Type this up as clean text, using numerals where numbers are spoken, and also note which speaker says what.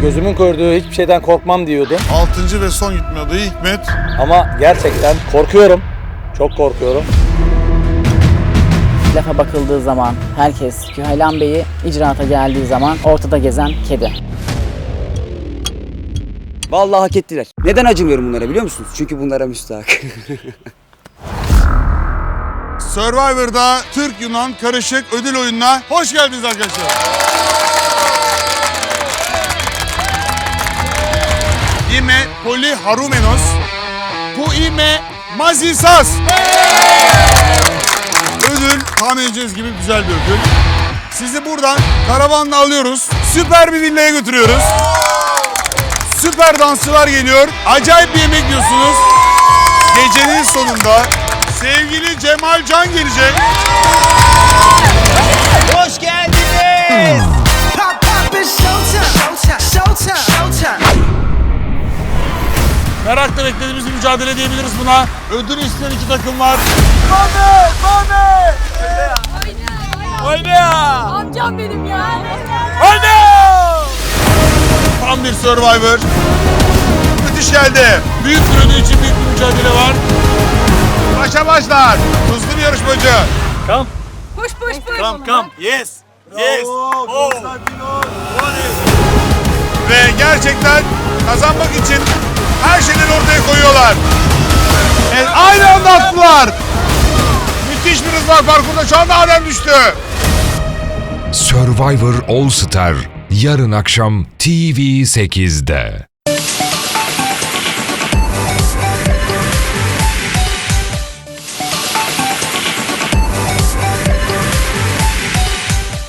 Speaker 1: gözümün gördüğü hiçbir şeyden korkmam diyordum.
Speaker 2: 6. ve son gitme adayı Hikmet.
Speaker 1: Ama gerçekten korkuyorum. Çok korkuyorum.
Speaker 3: Lafa bakıldığı zaman herkes Küheylan Bey'i icraata geldiği zaman ortada gezen kedi.
Speaker 4: Vallahi hak ettiler. Neden acımıyorum bunlara biliyor musunuz? Çünkü bunlara müstahak.
Speaker 2: Survivor'da Türk-Yunan karışık ödül oyununa hoş geldiniz arkadaşlar. İme Poli Harumenos. Bu ime Mazisas. Ödül tahmin edeceğiniz gibi güzel bir ödül. Sizi buradan karavanla alıyoruz. Süper bir villaya götürüyoruz. Süper dansçılar geliyor. Acayip bir yemek yiyorsunuz. Gecenin sonunda sevgili Cemal Can gelecek.
Speaker 5: Hoş geldiniz.
Speaker 6: Pop pop it's showtime, showtime, showtime.
Speaker 2: Merakla beklediğimiz bir mücadele diyebiliriz buna. Ödül isteyen iki takım var.
Speaker 7: Amcam benim ya.
Speaker 2: Tam bir Survivor. Müthiş geldi. Büyük bir ödül için büyük bir mücadele var. Başa başlar. Hızlı bir yarışmacı.
Speaker 7: Push push push.
Speaker 2: Come. Yes. Yes. Oh. Ve gerçekten kazanmak için her şeyleri ortaya koyuyorlar. Evet, aynı anda attılar. Müthiş bir hız var parkurda. Şu anda Adem düştü.
Speaker 8: Survivor All Star yarın akşam TV8'de.